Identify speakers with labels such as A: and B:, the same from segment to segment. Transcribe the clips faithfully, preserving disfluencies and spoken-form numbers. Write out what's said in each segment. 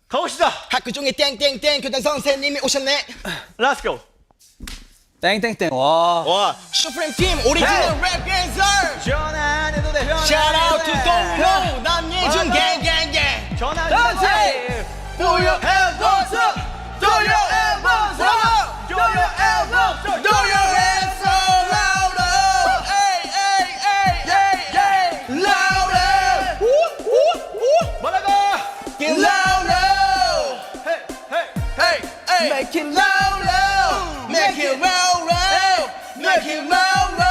A: 가봅시다.
B: 학교 중에 땡땡땡 교장 선생님이 오셨네.
A: Let's go.
C: 땡땡땡. 와.
B: 와, 슈프림 팀 오리지널 랩 댄서.
A: 전화 안 해도 돼.
B: Shout out to 동료 남예준 gang.
A: 전화 안
C: 던지.
A: 해도 돼.
B: Do your elbows up. Do your elbows up.
A: Do your elbows up.
B: Do your hands up louder. Hey, hey, hey, hey, hey. Louder. Woo, woo, woo.
A: 뭐라고?
B: Get louder.
A: Hey, hey.
B: Hey, hey.
C: Make it
B: louder. Make it louder. Make it louder.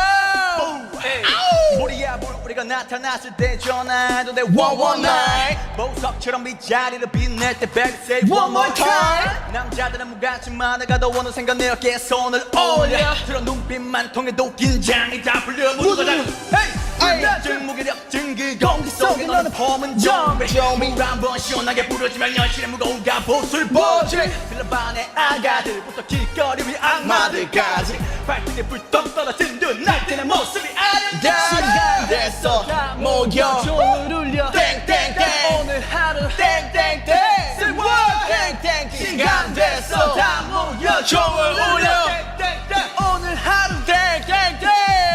A: 우리야 물 우리가 나타났을 때 전화해도 돼
B: One, one night.
A: 보석처럼 이 자리를 빛낼 때 baby say
B: One more time.
A: 남자들은 무같이 많아가도 어느샌가 내 어깨에 손을 올려 들어 눈빛만 통해도 긴장이 다 풀려 모두가 다 불면증 무기력증 그 공기 속에 너는 폼은 좀비 물한번 시원하게 부러지면 현실의 무거운 갑옷을 보지 들러봐 내 아가들부터 길거리 위 악마들까지 발등에 불똥 떨어진 듯 날뛰는 모습이 아름다워
B: 시간 됐어 모여
C: 종을 울려.
B: 땡땡땡
C: 오늘 하루
B: 땡땡땡 땡땡 시간 됐어
C: 다 모여.
B: 종을 울려
C: 오늘 하루
B: 땡땡땡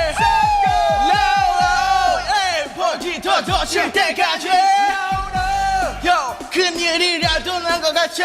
B: 라우 에이 벌기 더더 칠 때까지 요 큰일이라도 난 것 같이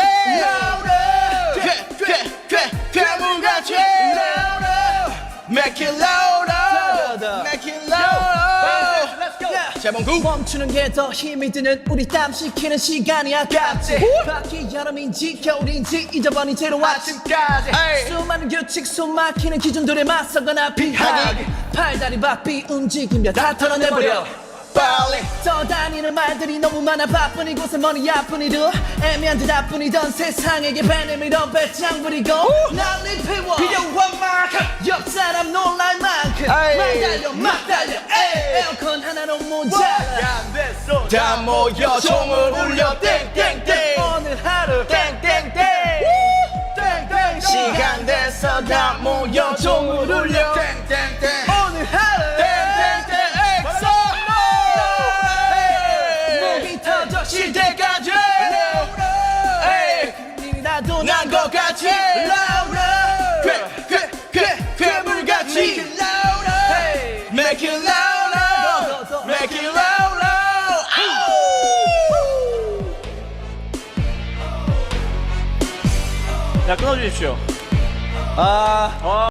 B: 괴괴괴 괴물같이 Make it louder Make it louder 재봉구
C: 멈추는 게 더 힘이 드는 우리 땀 식히는 시간이 아깝지. 밖이 여름인지 겨울인지 잊어버린 채로 아침까지
B: 에이.
C: 수많은 규칙 숨 막히는 기준들에 맞서거나 피하기 팔다리 바삐 움직이며 다 털어내버려.
B: 빨리
C: 떠다니는 말들이 너무 많아 바쁜 이곳에 머리 아픈 이들 애매한 대답뿐이던 세상에게 배내밀어 배짱 부리고 난리 피워
A: 필요한 만큼
C: 옆 사람 놀랄 만큼
B: 에이.
C: 막 달려 막 달려 에이. 에어컨 하나로 모자라
A: 안 됐어
B: 다 모여 종을 울려 땡땡땡
C: 오늘 하루
B: 땡땡땡 땡땡 시간 됐어 다 모여 종을 울려 땡땡땡
C: 오늘 하루
B: 땡땡땡 엑소
C: 목이 터져
B: 쉴 때까지 에이
C: 나도
B: 난 것 같이 괴괴괴 괴물같이 Make it louder Make it louder
A: 야 끊어주십시오
C: 아